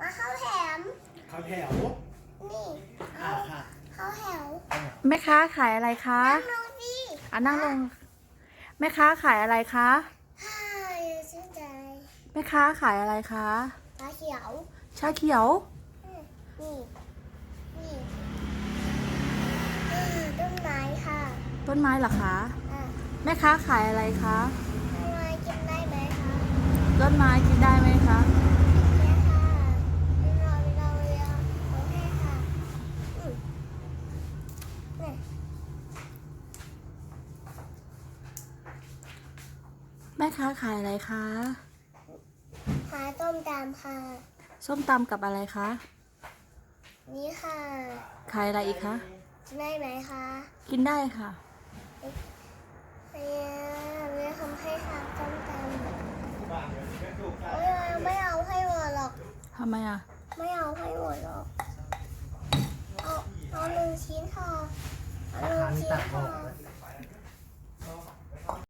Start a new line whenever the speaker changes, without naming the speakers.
มาเข้าแถม
ข้าวแถว
นี่
ค่ะ
เข้าแถว
แม่ค้าขายอะไรคะ
นั่งลงสิ
นั่งลงแม่ค้าขายอะไรคะ
ฮ่าชื่นใจ
แม่ค้าขายอะไรคะ
ตาเขียว
ชาเขียว
นี่นี่ต้นไม้ค่ะ
ต้นไม้เหรอคะ
อ่า
แม่ค้าขายอะไรคะ
ต้นไม้กินได้ไหมคะ
ต้นไม้กินได้ไหมคะ
เนี่ยค่ะเราโอเคค่ะเนี่ย
แม่ค้าขายอะไรคะ
หาต้มตำค่ะ
ส้มตำกับอะไรคะ
นี่ค่ะ
ขายอะไรอีกคะ
กินได้ไหมคะ
กินได้ค่ะ
เนี่ยทำให้ทานต้มตำไม่เอาให้หมดหรอก
ทำไมอ่ะ
ไม่เอาให้หมดหรอกเอา1 ชิ้นค่ะเอา1 ชิ้นค่ะ